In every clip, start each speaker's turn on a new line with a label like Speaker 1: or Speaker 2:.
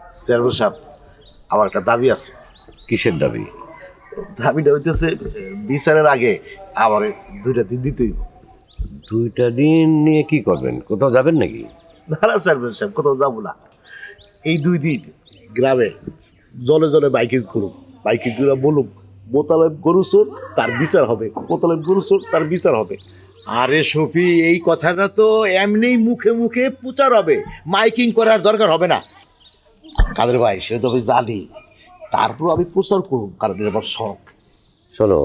Speaker 1: Chairman সাহেব, আমার একটা দাবি আছে।
Speaker 2: কিসের দাবি?
Speaker 1: দাবিটা হইতেছে বিচারের আগে আমার 2টা দিন দিতেই।
Speaker 2: 2টা দিন নিয়ে কি করবেন? কোথাও যাবেন নাকি?
Speaker 1: না না চেয়ারম্যান সাহেব, কোথাও যাবো না। এই 2 দিন গ্রামে জলে জলে বাইকিং করুক, বাইকিং করে বলুক মোতালেব গরু চোর, তার বিচার হবে। মোতালেব গরু চোর, তার বিচার হবে।
Speaker 3: আরে শফি, এই কথাটা তো এমনি মুখে মুখে প্রচার হবে, মাইকিং করার দরকার হবে না।
Speaker 1: কাদের ভাই, সেটা তো আমি জানি, তারপর আমি প্রচার করুন, কারণ এটা আমার শখ।
Speaker 2: শোনো,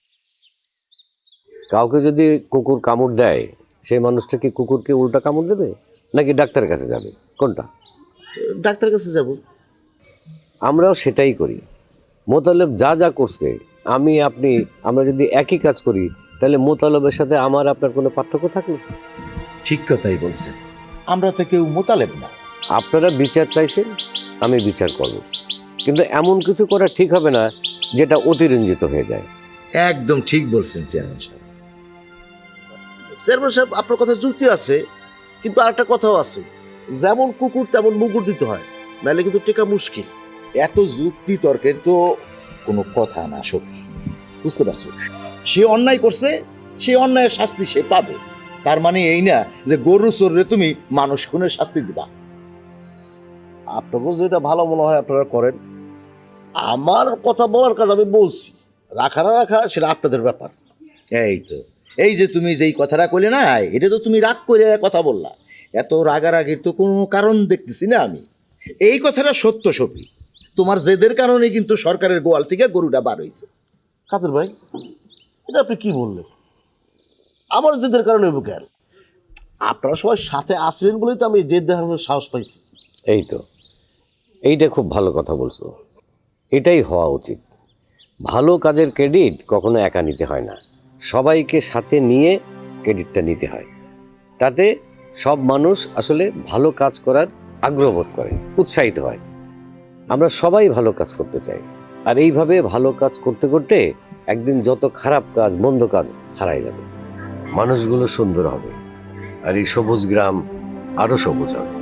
Speaker 2: কাউকে যদি কুকুর কামড় দেয়, সেই মানুষটা কি কুকুরকে উল্টা কামড় দেবে নাকি ডাক্তারের কাছে যাবে? কোনটা?
Speaker 1: ডাক্তার কাছে যাব।
Speaker 2: আমরাও সেটাই করি। মোতালেব যা যা করছে, আমি আপনি আমরা যদি একই কাজ করি, তাহলে মোতালেবের সাথে আমার আপনার কোনো পার্থক্য থাকলো?
Speaker 3: ঠিক কথাই বলছেন, আমরা তো কেউ মোতালেব না।
Speaker 2: আপনারা বিচার চাইছেন, আমি বিচার করব, কিন্তু এমন কিছু করা ঠিক হবে না যেটা অতিরঞ্জিত হয়ে যায়।
Speaker 3: একদম ঠিক বলছেন চেয়ারম্যান সাহেব।
Speaker 1: চেয়ারম্যান সাহেব, আপনার কথা যুক্তি আছে, কিন্তু আরেকটা কথাও আছে, যেমন কুকুর তেমন মুগুর দিতে হয়, নাহলে কিন্তু টেকা মুশকিল।
Speaker 3: এত যুক্তি তর্কের তো কোনো কথা না শফি, বুঝতে পারছো? সে অন্যায় করছে, সে অন্যায়ের শাস্তি সে পাবে। তার মানে এই না যে গরু চোররে তুমি মানুষ খুনের শাস্তি দিবা।
Speaker 1: আপনাদের যেটা ভালো মনে হয় আপনারা করেন, আমার কথা বলার কাজ আমি বলছি, রাখা না রাখা সেটা আপনাদের ব্যাপার।
Speaker 3: এই তো, এই যে তুমি যেই কথাটা কইলে না, এটা তো তুমি রাগ করে কথা বললা। এত রাগারাগির তো কোনো কারণ দেখতেছি না আমি। এই কথাটা সত্য শফি, তোমার জেদের কারণে কিন্তু সরকারের গোয়াল থেকে গরুটা বার হয়েছে।
Speaker 1: কাদের ভাই, এটা আপনি কি বললেন? আমার জেদের কারণে হইব কেন? আপনারা সবাই সাথে আসলেন বলেই তো আমি জেদ দেখানোর সাহস পাইছি।
Speaker 2: এই তো, এইটা খুব ভালো কথা বলছো। এটাই হওয়া উচিত। ভালো কাজের ক্রেডিট কখনো একা নিতে হয় না, সবাইকে সাথে নিয়ে ক্রেডিটটা নিতে হয়। তাতে সব মানুষ আসলে ভালো কাজ করার আগ্রহ বোধ করে, উৎসাহিত হয়। আমরা সবাই ভালো কাজ করতে চাই, আর এইভাবে ভালো কাজ করতে করতে একদিন যত খারাপ কাজ, মন্দ কাজ হারাই যাবে, মানুষগুলো সুন্দর হবে, আর এই সবুজ গ্রাম আরো সবুজ হবে।